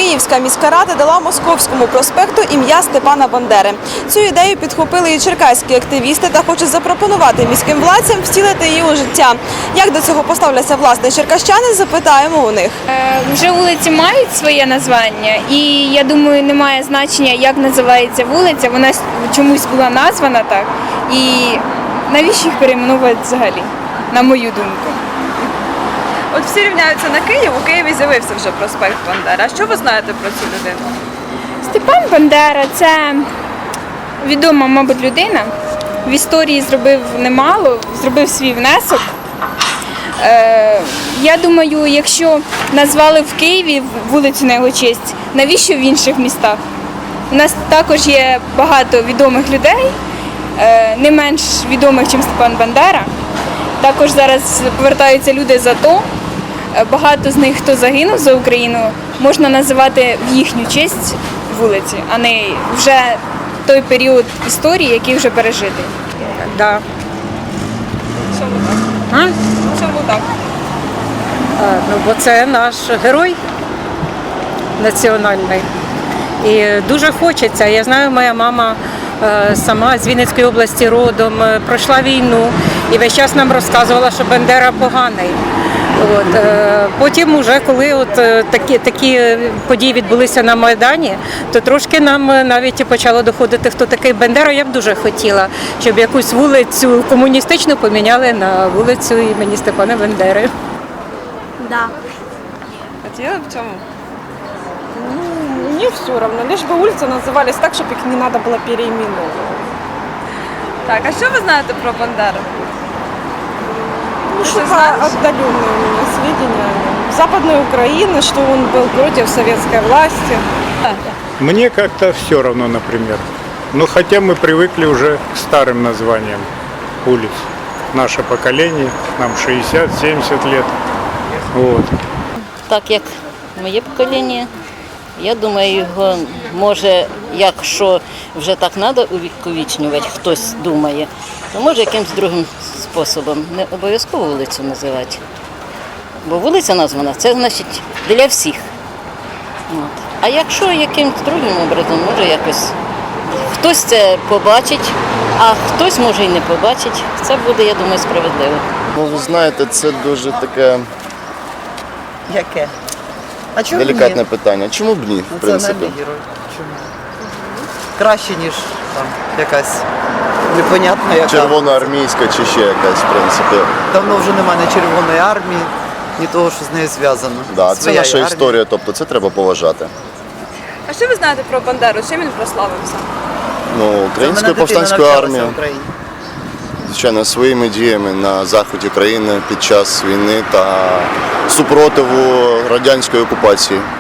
Київська міська рада дала Московському проспекту ім'я Степана Бандери. Цю ідею підхопили і черкаські активісти та хочуть запропонувати міським владцям втілити її у життя. Як до цього поставляться власне черкащани, запитаємо у них. Вже вулиці мають своє названня, і я думаю, немає значення, як називається вулиця. Вона чомусь була названа так. І навіщо їх перейменувати взагалі, на мою думку? От всі рівняються на Київ, у Києві з'явився вже проспект Бандери. А що ви знаєте про цю людину? Степан Бандера – це відома, мабуть, людина. В історії зробив немало, зробив свій внесок. Я думаю, якщо назвали в Києві вулицю на його честь, навіщо в інших містах? У нас також є багато відомих людей, не менш відомих, ніж Степан Бандера. Також зараз повертаються люди з АТО. Багато з них, хто загинув за Україну, можна називати в їхню честь вулиці, а не вже той період історії, який вже пережитий. Да. Чому так? А? Чому так? Ну, бо це наш герой національний. І дуже хочеться. Я знаю, моя мама сама з Вінницької області родом, пройшла війну і весь час нам розказувала, що Бандера поганий. Потім, уже, коли такі події відбулися на Майдані, то трошки нам навіть почало доходити, хто такий Бандера. Я б дуже хотіла, щоб якусь вулицю комуністичну поміняли на вулицю імені Степана Бандери. Да. Хотіли б чому? Мне все равно, лишь бы улицы назывались так, чтобы их не надо было переименовывать. Так, а що ви знаєте про Бандеру? Ну, Ты что знаешь? отдаленные у меня сведения о нем. Западной Украины, что он был против советской власти. Мне как-то все равно, например. Но хотя мы привыкли уже к старым названиям улиц. Наше поколение, нам 60-70 лет. Вот. Так як моє покоління, я думаю, його може, якщо вже так треба увіковічнювати, хтось думає, то може якимось другим способом, не обов'язково вулицю називати. Бо вулиця названа, це значить для всіх. От. А якщо якимось другим образом, може якось хтось це побачить, а хтось може і не побачить, це буде, я думаю, справедливо. Ну, ви знаєте, це дуже таке Яке? А чому делікатне ні? питання. Чому б ні, в принципі? Національний герой. Чому? Краще, ніж там якась непонятна яка. Червоноармійська чи ще якась, в принципі. Давно вже немає ні Червоної армії, ні того, що з нею зв'язано. Да, це Своя наша армія. історія, тобто це треба поважати. А що ви знаєте про Бандеру? Чим він прославився? Ну, Це в мене Українською дитина повстанською навчалася армією, в Україні. звичайно, своїми діями на заході країни під час війни та супротиву радянської окупації.